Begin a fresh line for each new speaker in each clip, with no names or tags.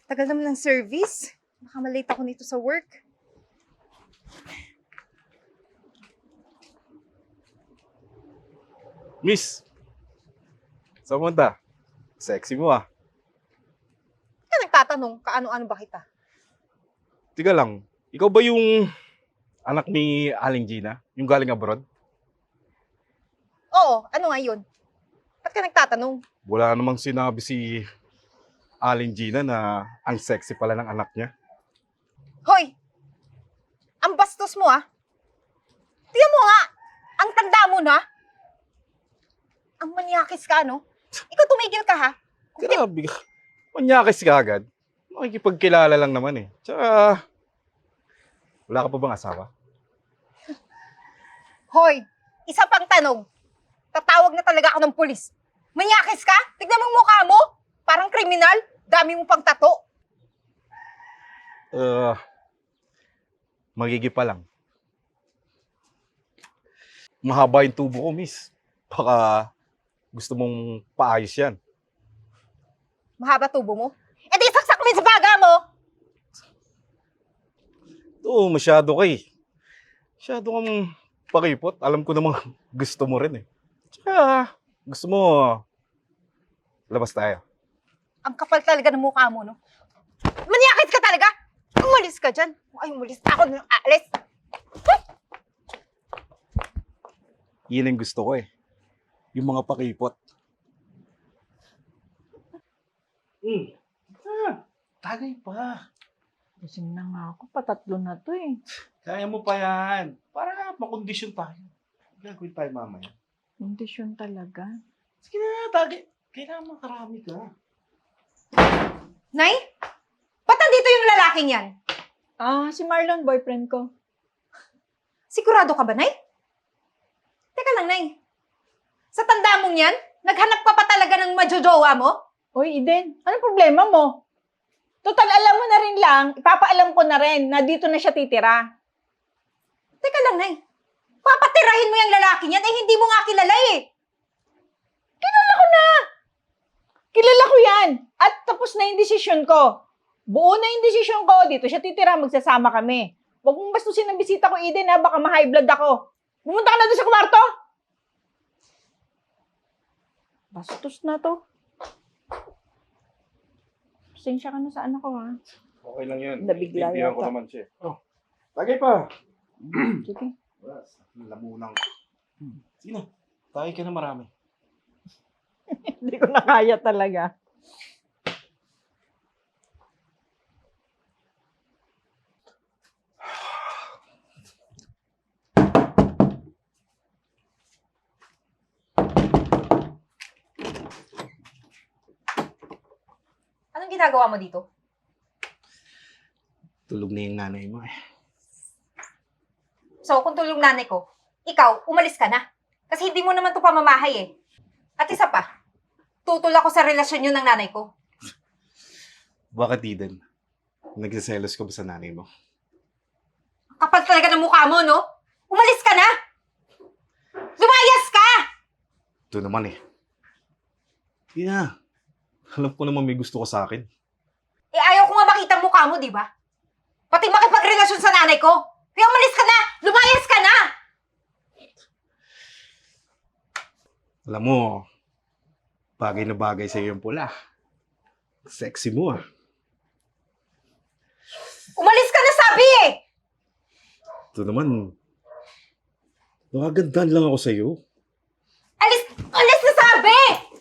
Tagal naman ng service. Baka malate ako nito sa work.
Miss, saan punta? Sexy mo ah.
Kaya nagtatanong, kaano-ano ba kita?
Tiga lang, ikaw ba yung anak ni Aling Gina? Yung galing abroad?
Oo, ano nga yun? Ba't ka nagtatanong?
Wala namang sinabi si Aling Gina na ang sexy pala ng anak niya.
Hoy! Ang bastos mo ah! Tingnan mo nga! Ang tanda mo na! Ang manyakis ka, no? Ikaw tumigil ka ha?
Grabe ka. Manyakis ka agad. Makikipagkilala lang naman eh. Tsaka, wala ka pa bang asawa?
Hoy! Isa pang tanong. Tatawag na talaga ako ng pulis. Manyakis ka? Tignan mo ang mukha mo! Parang kriminal. Dami mo pang tato.
Magigi pa lang. Mahaba yung tubo ko, miss. Baka gusto mong paayos yan.
Mahaba tubo mo? E di saksak mo yun sa baga mo!
Oo, masyado ka eh. Masyado kang pakipot. Alam ko namang gusto mo rin eh. Tsaka, gusto mo, labas tayo.
Ang kapal talaga ng mukha mo, no? Manyakis ka talaga! Umalis ka dyan. Ay, umalis na ako ng alis.
Yun ang gusto ko eh. Yung mga pakipot. Tagay pa.
Gising na nga ako, patatlo na to eh.
Kaya mo pa yan. Para makondisyon tayo. Gagawin tayo mamaya.
Kondisyon talaga.
Sige na, tagay. Kailangan makarami ka.
Nay? Ba't nandito yung lalaking yan?
Si Marlon, boyfriend ko.
Sigurado ka ba, Nay? Teka lang, Nay. Sa tanda mong yan, naghanap ka pa talaga ng majojowa mo?
Oy, Eden, anong problema mo? Total, alam mo na rin lang, ipapaalam ko na rin na dito na siya titira.
Teka lang, Nay. Papatirahin mo yung lalaking yan, eh hindi mo nga kilala eh.
Kilala ko na! Kilala ko yan! At tapos na yung desisyon ko. Buo na yung desisyon ko, dito siya titira, magsasama kami. Huwag mong bastusin ang bisita ko, Eden, ha? Baka ma-high blood ako. Pumunta ka na doon sa kwarto! Bastos na to. Pasensya ka na sa anak ko, ha?
Okay lang yan.
Nabigla
Bibigyan ko
yata.
naman siya. Oh, tagay pa.
Sige.
Lamunang. Sige na. Tagay ka na marami.
Hindi ko na kaya talaga.
Anong ginagawa mo dito?
Tulog na yung nanay mo eh.
So, kung tulong nanay ko, ikaw, umalis ka na. Kasi hindi mo naman ito pamamahay eh. At isa pa, tutol ako sa relasyon yun ng nanay ko.
Bakit, Eden? Nagsiselos ka ba sa nanay mo?
Kapal talaga ng mukha mo, no? Umalis ka na! Lumayas ka!
Ito naman eh. Hindi na. Alam ko naman may gusto ko sa akin.
Eh, ayaw ko nga makita ang mukha mo, di ba? Pati makipagrelasyon sa nanay ko. Kaya umalis ka na! Lumayas ka na!
Alam mo, bagay na bagay sa iyo yung pula. Sexy mo ah.
Umalis ka na, sabi eh!
Ito naman, nakagandaan lang ako sa iyo.
Alis na sabi!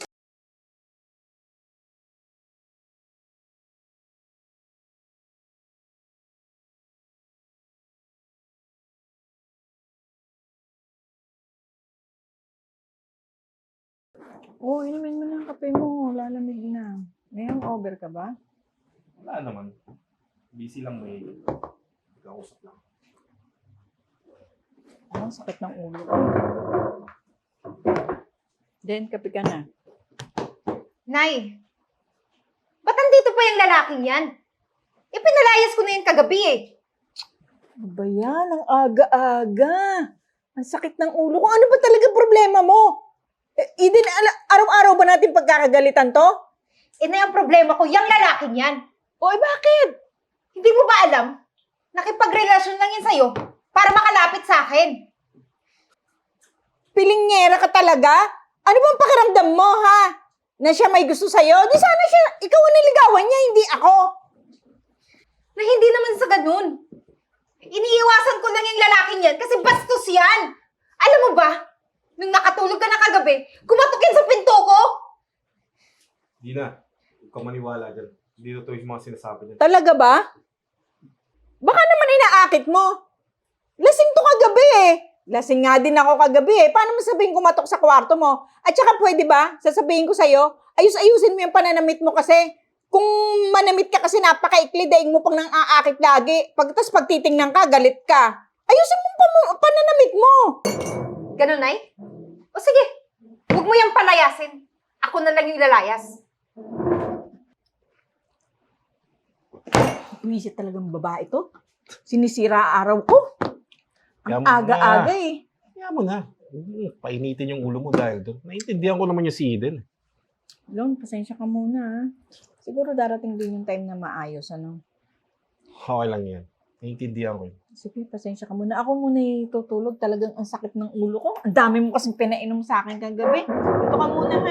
Inumin mo na ang kape mo. Lalamig na. May hangover ka ba?
Wala naman. Busy lang may kausap lang.
Ang sakit ng ulo ko. Den, kape ka na.
Nay, ba't nandito pa yung lalaking yan? Ipinalayas ko na yan kagabi eh.
Ano ba yan? Ang aga-aga. Ang sakit ng ulo ko. Ano ba talaga problema mo? Eden, araw-araw ba natin pagkakagalitan to?
Eh na yung problema ko, yung lalaking yan.
O, bakit?
Hindi mo ba alam? Nakipagrelasyon lang yan sa'yo para makalapit sa akin.
Pilingnyera ka talaga? Ano bang pakiramdam mo, ha? Na siya may gusto sa'yo? Di sana siya, ikaw ang niligawan niya, hindi ako.
Na hindi naman sa ganun. Iniiwasan ko lang yung lalaking yan kasi bastos yan. Alam mo ba, nung nakatulog ka na kagabi, kumatok yan sa pinto ko.
Di na. Huwag ka maniwala dyan. Hindi totoo yung mga sinasabi niya.
Talaga ba? Baka naman inaakit mo. Lasing to kagabi eh. Lasing nga din ako kagabi eh. Paano mo sabihin kumatok sa kwarto mo? At saka pwede ba, sasabihin ko sa'yo, ayus-ayusin mo yung pananamit mo kasi. Kung manamit ka kasi napakaikli, daing mo pang nang aakit lagi. Pagkatapos pagtitingnan ka, galit ka. Ayusin mo yung pananamit mo.
Ganun, Nay? O sige, huwag mo yung palayasin. Ako na lang yung lalayas.
Wisit talagang babae to. Sinisira araw ko. Ang
Kaya mo na.
aga-aga eh.
Kaya mo na. Painitin yung ulo mo dahil doon. Naiintindihan ko naman yung si Eden.
Long, pasensya ka muna ha. Siguro darating din yung time na maayos, ano?
Okay lang yan. Naiintindihan ko yun.
Sige, pasensya ka muna. Ako muna tutulog. Talagang ang sakit ng ulo ko. Ang dami mo kasing pinainom sa akin kagabi. Dito ka muna ha.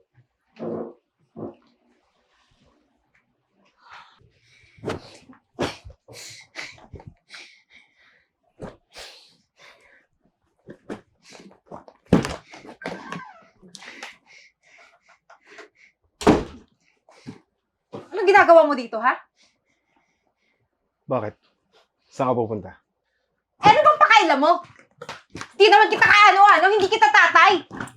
Anong ginagawa mo dito, ha?
Bakit? Saan ka pupunta?
Eh, ano bang pakailan mo? Di naman kita kaano-ano, hindi kita tatay.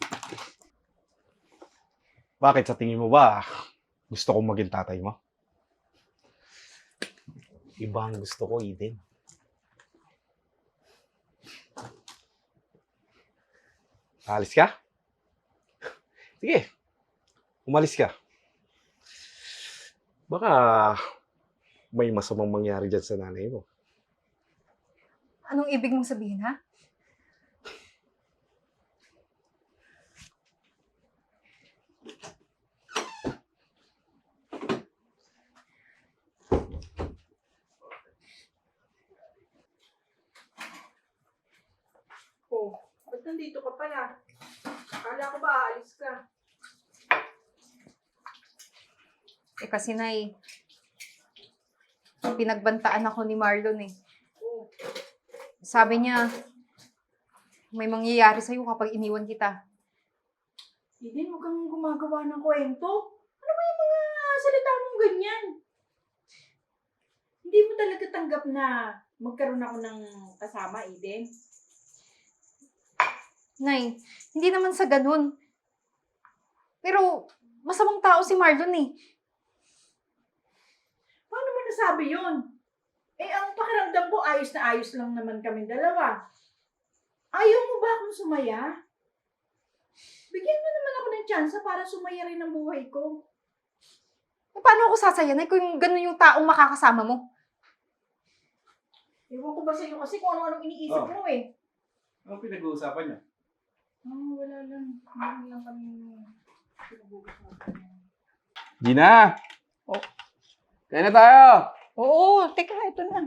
Bakit? Sa tingin mo ba gusto kong maging tatay mo? Iba ang gusto ko, Eden. Alis ka? Sige. Umalis ka. Baka may masamang mangyari dyan sa nanay mo.
Anong ibig mong sabihin, ha?
Oh, ba't nandito ka pala? Akala ko ba aalis ka?
Eh kasi, Nay, pinagbantaan ako ni Marlon eh.
Oh,
Sabi niya, may mangyayari sa'yo kapag iniwan kita.
Eden, huwag kang gumagawa ng kwento. Ano ba yung mga salita mong ganyan? Hindi mo talaga tanggap na magkaroon ako ng kasama, Eden?
Nay, hindi naman sa ganun. Pero, masamang tao si Marlon eh.
Paano mo nasabi yun? Eh, ang pakiramdam ko, ayos na ayos lang naman kami dalawa. Ayaw mo ba akong sumaya? Bigyan mo naman ako ng tsansa para sumaya rin ang buhay ko.
Eh, paano ako sasaya, Nay, kung ganun yung taong makakasama mo?
Ewan ko ba sa'yo kasi kung ano-anong iniisip mo eh.
Ano pinag-uusapan niya?
Wala lang. Meron lang kami pinag-uusapan.
Gina!
Oh.
Kaya na tayo!
Oo, teka, ito na.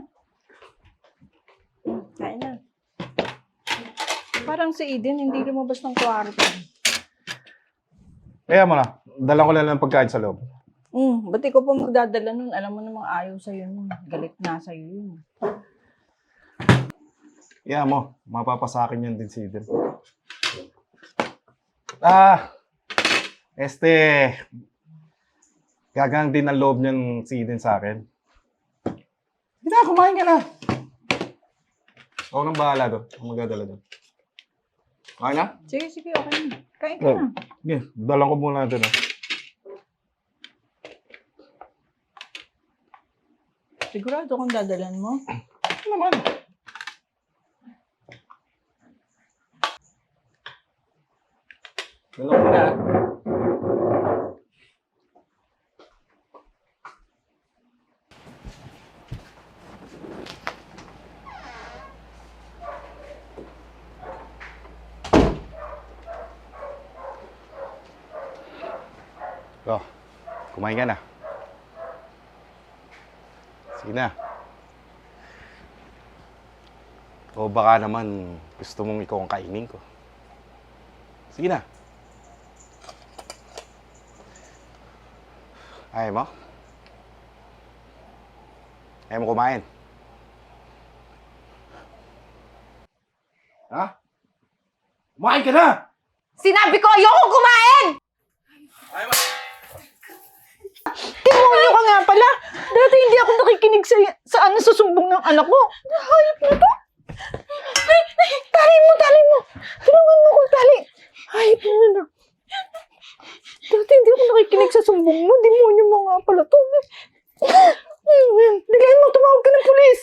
Kain na. Parang si Eden, hindi lumabas ng kwarto.
Kaya mo na. Dala ko lang ng pagkain sa loob.
Ba't ikaw pa magdadala nun? Alam mo namang ayaw sa'yo nun. Galit na sa'yo yun.
Kaya mo. Mapapasakin yan din si Eden. Gagang din ang loob niyan si Eden sa akin. Hindi na, kumain ka na. Ako nang bahala doon. Ako magdadala doon. Kain na?
Sige, sige, okay na. Kain ka
Oh.
na.
Sige, dalang ko muna doon.
Sigurado kung dadalan mo.
Ano naman? Dalang ko na. Oh, kumain ka na. Sige na. O baka naman gusto mong ikaw ang kainin ko. Sige na. Ayaw mo? Ayaw mo kumain? Ha? Kumain ka na!
Sinabi ko ayoko kumain!
Demonyo ka nga pala! Dati hindi ako nakikinig sa ano sa sumbong ng anak ko. Hayop na to! Tali mo! Tulungan mo kong tali! Hayop na na. Dati hindi ako nakikinig sa sumbong mo. Demonyo mo nga pala to. Bigyan mo, tumawag ka ng pulis!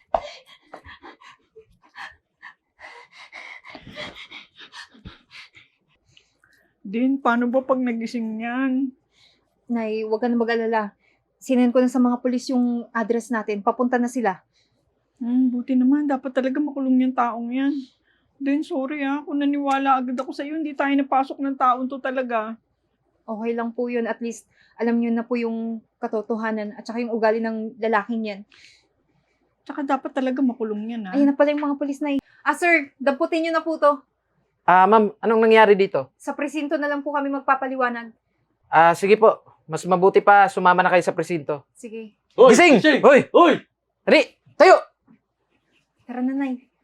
Din, paano ba pag nagising yan?
Nay, huwag ka na mag-alala. Sinend ko na sa mga pulis yung address natin. Papunta na sila.
Buti naman. Dapat talaga makulong yung taong yan. Din, sorry kung naniwala agad ako sa'yo, hindi tayo napasok ng taon to talaga.
Okay lang po yun. At least, alam nyo na po yung katotohanan at saka yung ugali ng lalaking yan.
Tsaka dapat talaga makulong yan,
Ayun na pala yung mga pulis na sir, damputin nyo na po to.
Ma'am, anong nangyari dito?
Sa presinto na lang po kami magpapaliwanag.
Sige po. Mas mabuti pa sumama na kayo sa presinto.
Sige.
Gising! Hoy!
Hoy!
Dali! Tayo!
Tara na, Nay.